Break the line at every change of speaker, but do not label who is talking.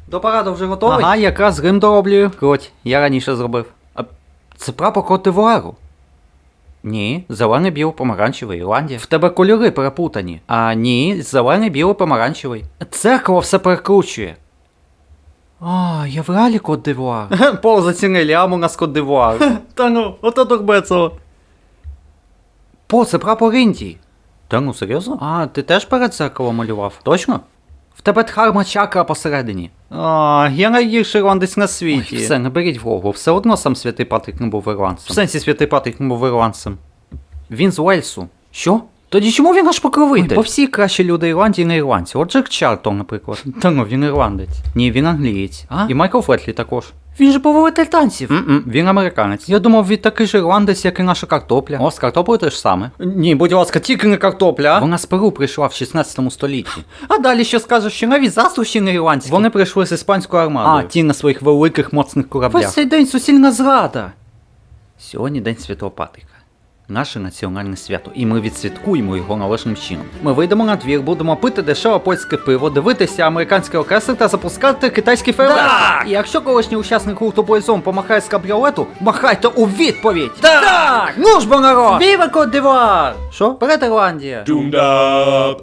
До параду вже готовий?
Ага, якраз грим дороблюю. Круть, я раніше зробив. А це прапор Кот-д'Івуару. Ні, зелений, білий, помаранчевий, Ірландія. В тебе кольори перепутані. А ні, зелений, білий, помаранчевий. Церква все перекручує. А, я в реалі Кот-д'Івуар. Пол зацінили, а у нас Кот-д'Івуар.
Та ну, ото Турбецово.
По, це прапор Індії. Та ну, серйозно? А, ти теж перед зеркалом малював? Точно? В тебе дхарма чакра посередині. А, я найгірший ірландець на світі. Ой, все, не беріть в голову, все одно сам святий Патрік не був ірландцем. В сенсі святий Патрік не був ірландцем. Він з Уельсу. Що? Тоді чому він аж покровитель? Бо всі кращі люди Ірландії не ірландці. От Джек Чартон, наприклад. Та ну, він ірландець. Ні, він англієць. А? І Майкл Флетлі також. Він же повелитель танців. Він американець. Я думав, він такий же ірландець, як і наша картопля. О, з картоплею те ж саме. Ні, будь ласка, тільки не картопля. Вона з Перу прийшла в 16 столітті. А далі що скажеш, що навіть засуші не ірландські. Вони прийшли з іспанською армадою. А, ті на своїх великих моцних кораблях. Весь цей день суцільна зрада. Сьогодні День Святого Патріка. Наше національне свято, і ми відсвяткуємо його належним чином. Ми вийдемо на двір, будемо пити дешеве польське пиво, дивитися американський оркестр та запускати китайський фейерверк. Так! І якщо колишній учасник гурту Бойзон помахає з кабріолету, махайте у відповідь! Так! Ну ж бо народ! Віва Кот-д'Івуар! Що? Перед Ірландія!
Doomed up.